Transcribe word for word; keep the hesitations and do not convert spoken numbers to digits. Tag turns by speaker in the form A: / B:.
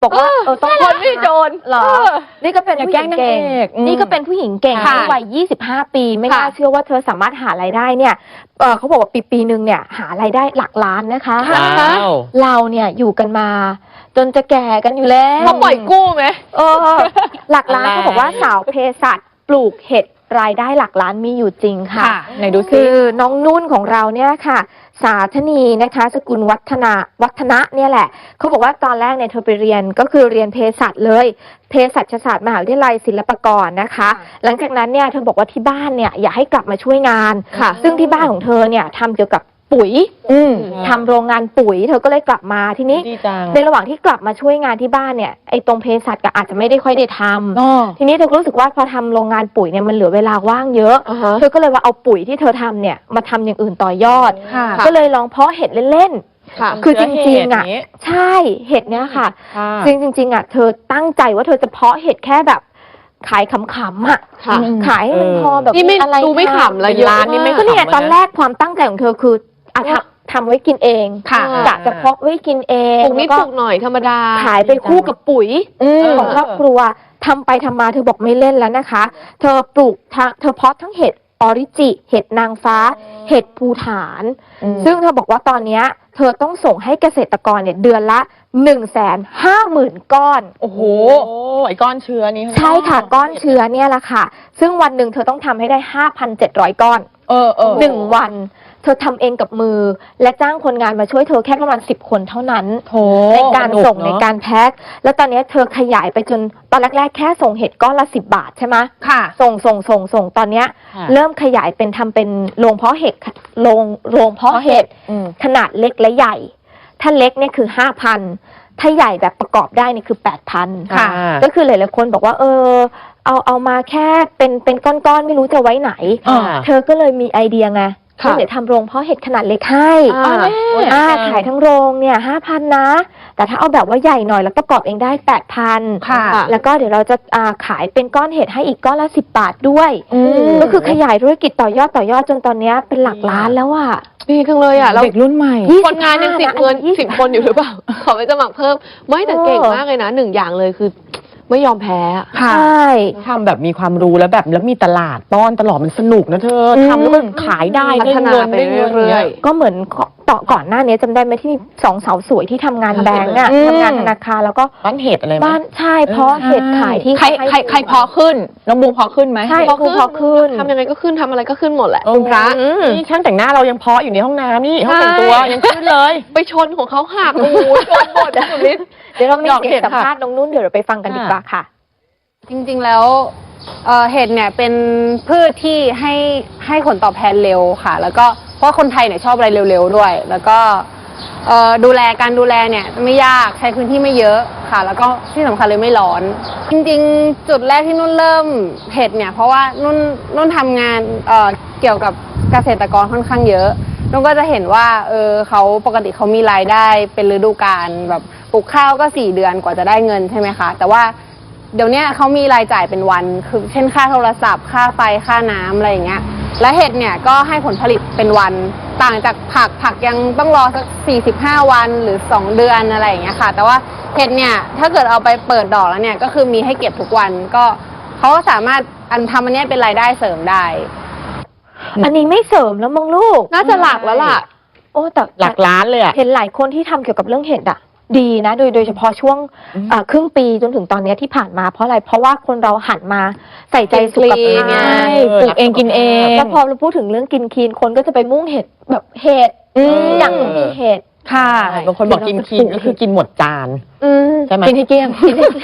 A: บอกว่าเออต้องคนไม่โดนหรอนี่ก็เป็นผู้หญิงเก่งนี่ก็เป็นผู้หญิงเก่งที่วัยยี่สิบห้าปีไม่น่าเชื่อว่าเธอสามารถหารายได้เนี่ยเออเขาบอกว่าปีปีหนึ่งเนี่ยหารายได้หลักล้านนะคะเราเนี่ยอยู่กันมาจนจะแก่กันอยู่แล้ว
B: เขาปล่อยกู้ไหม
A: เออหลักล้านเขาบอกว่าสาวเภสัชปลูกเห็ดรายได้หลักล้านมีอยู่จริงค่ะ
B: ไหนดูซิ
A: คือน้องนุ่นของเราเนี่ยค่ะสาธนีนะคะสกุลวัฒนาวัฒนะเนี่ยแหละเขาบอกว่าตอนแรกเนี่ยเธอไปเรียนก็คือเรียนเภสัชเลยเภสัชศาสตร์มหาวิทยาลัยศิลปากรนะคะหลังจากนั้นเนี่ยเธอบอกว่าที่บ้านเนี่ยอยากให้กลับมาช่วยงานซึ่งที่บ้านของเธอเนี่ยทำเกี่ยวกับปุ๋ยทำโรงงานปุ๋ยเธอก็เลยกลับมาทีนี้ในระหว่างที่กลับมาช่วยงานที่บ้านเนี่ยไอ้ตรงเภสัชก็อาจจะไม่ได้ค่อยได้ทำทีนี้เธอก็รู้สึกว่าพอทำโรงงานปุ๋ยเนี่ยมันเหลือเวลาว่างเยอะเธอก็เลยว่าเอาปุ๋ยที่เธอทำเนี่ยมาทำอย่างอื่นต่อยอดก็เลยลองเพาะเห็ดเล่นๆคือจริงๆอ่ะใช่เห็ดเนี้ยค่ะจริงจริงๆอ่ะเธอตั้งใจว่าเธอจะเพาะเห็ดแค่แบบขายขำๆอ่ะขายให้มันพอแบบ
B: นี่ไม่ดูไม่ขำเลยร้านนี่ไม่
A: ก็เนี่ยตอนแรกความตั้งใจของเธอคืออ่ะทำทำไว้กินเองกะจะเพาะไว้กินเอง
B: ปลูกนิดปลูกหน่อยธรรมดา
A: ขายไปคู่กับปุ๋ยของครอบครัวทำไปทำมาเธอบอกไม่เล่นแล้วนะคะเธอปลูกเธอเพาะทั้งเห็ดออริจิเห็ดนางฟ้าเห็ดภูฐานซึ่งเธอบอกว่าตอนนี้เธอต้องส่งให้เกษตรกรเนี่ยเดือนละหนึ่งแสนห้าหมื่นก้อน
B: โอ้โหไอ้ก้อนเชื้อนี่
A: ใช่ค่ะก้อนเชื้อเนี่ยแหละค่ะซึ่งวันหนึ่งเธอต้องทำให้ได้ห้าพันเจ็ดร้อยก้อน
B: เออเออ
A: หนึ่งวันเธอทำเองกับมือและจ้างคนงานมาช่วยเธอแค่ประมาณสิบคนเท่านั้นในการส่งในการแพ็คแล้วตอนนี้เธอขยายไปจนตอนแรกๆแค่ส่งเห็ดก้อนละสิบบาทใช่ไหม
B: ค่ะ
A: ส่งส่งส่งส่งตอนนี้เริ่มขยายเป็นทำเป็นโรงเพาะเห็ดโรงโรงเพาะเห็ดขนาดเล็กและใหญ่ถ้าเล็กเนี่ยคือห้าพันถ้าใหญ่แบบประกอบได้นี่คือแปดพันค่ะก็คือหลายๆคนบอกว่าเออเอาเอามาแค่เป็นเป็นก้อนๆไม่รู้จะไว้ไหนเธอก็เลยมีไอเดียไงเดี๋ยวทำโรงเพาะเห็ดขนาดเล็กให้อ่าขายทั้งโรงเนี่ยห้าพันนะแต่ถ้าเอาแบบว่าใหญ่หน่อยแล้วประกอบเองได้แปดพันแล้วก็เดี๋ยวเราจะอ่าขายเป็นก้อนเห็ดให้อีกก้อนละสิบบาทด้วยก็คือขยายธุรกิจต่อยอดต่อยอดจนตอนนี้เป็นหลักล้านแล้วอ่ะ
B: ดีจังเลยอ่ะ
A: เด็กรุ่นใหม่
B: คนงานยังสิบเงินสิบคนอยู่หรือเปล่าขอไปสมัครเพิ่มไม่แต่เก่งมากเลยนะหนึ่งอย่างเลยคือไม่ยอมแพ้
A: ใช่
C: ทำแบบมีความรู้แล้วแบบแล้วมีตลาดป้อนตลอดมันสนุกนะเธอทำแล้วมันขายได้
B: พัฒนาไปเรื่อย
A: ๆก็เหมือนต่อก่อนหน้านี้จำได้ไหมที่มีสองสาวสวยที่ทำงานแบงก์อ่ะทำงานธนาคารแล้วก็
C: บ้านเห็ดอะไร
A: บ้านใช่เพราะเห็ดขายที่
B: ใครใครใครพอขึ้นน้องบูมพอขึ้นไหม
A: ใช่พอขึ้น
B: ทำยังไงก็ขึ้นทำอะไรก็ขึ้นหมดแหละ
C: คุณพระนี่ช่างแต่งหน้าเรายังเพาะอยู่ในห้องน้ำนี่ห้องแต่งตัวยังขึ้นเลย
B: ไปชนของเขาหักโอ้โหชนหมดนิด
A: เดี๋ยวเรามีเสียงสัมภาษณ์น้องนุ่นเดี๋ยวเราไปฟังกันดีกว่าค่ะ
D: จริงๆแล้วเเห็ดเนี่ยเป็นพืชที่ให้ให้ผลตอบแทนเร็วค่ะแล้วก็เพราะคนไทยเนี่ยชอบอะไรเร็วๆด้วยแล้วก็ดูแลการดูแลเนี่ยไม่ยากใช้พื้นที่ไม่เยอะค่ะแล้วก็ที่สำคัญเลยไม่ร้อนจริงๆจุดแรกที่นุ่นเริ่มเห็ดเนี่ยเพราะว่านุ่นนุ่นทำงานเเกี่ยวกับเกษตรกรค่อนข้างเยอะนุ่นก็จะเห็นว่าเออเขาปกติเขามีรายได้เป็นฤดูกาลแบบปลูกข้าวก็สี่เดือนกว่าจะได้เงินใช่ไหมคะแต่ว่าเดี๋ยวนี้เขามีรายจ่ายเป็นวันคือเช่นค่าโทรศัพท์ค่าไฟค่าน้ำอะไรอย่างเงี้ยและเห็ดเนี่ยก็ให้ผลผลิตเป็นวันต่างจากผักผักยังต้องรอสักสี่สิบห้าวันหรือสองเดือนอะไรอย่างเงี้ยค่ะแต่ว่าเห็ดเนี่ยถ้าเกิดเอาไปเปิดดอกแล้วเนี่ยก็คือมีให้เก็บทุกวันก็เขาก็สามารถอันทำอันนี้เป็นรายได้เสริมได้
A: อันนี้ไม่เสริมแล้วมั้งลูก
B: น่าจะหลักแล้วล่ะ
A: โอ้แต่
C: หลักล้านเลยอะ
A: เห็นหลายคนที่ทำเกี่ยวกับเรื่องเห็ดอะดีนะโดยโดยเฉพาะช่วงครึ่งปีจนถึงตอนนี้ที่ผ่านมาเพราะอะไรเพราะว่าคนเราหันมาใส่ใจสุขภาพ
C: ปลูกเองกินเอง
A: แล้วพอเราพูดถึงเรื่องกินคีนคนก็จะไปมุ่งเห็ดแบบเห็ดอย่างมีเห็ด
C: ค่ะบางคนบอกกินคีนก็คือกินหมดจาน
A: ใช่ไหม
C: กินให้เกลี้ยง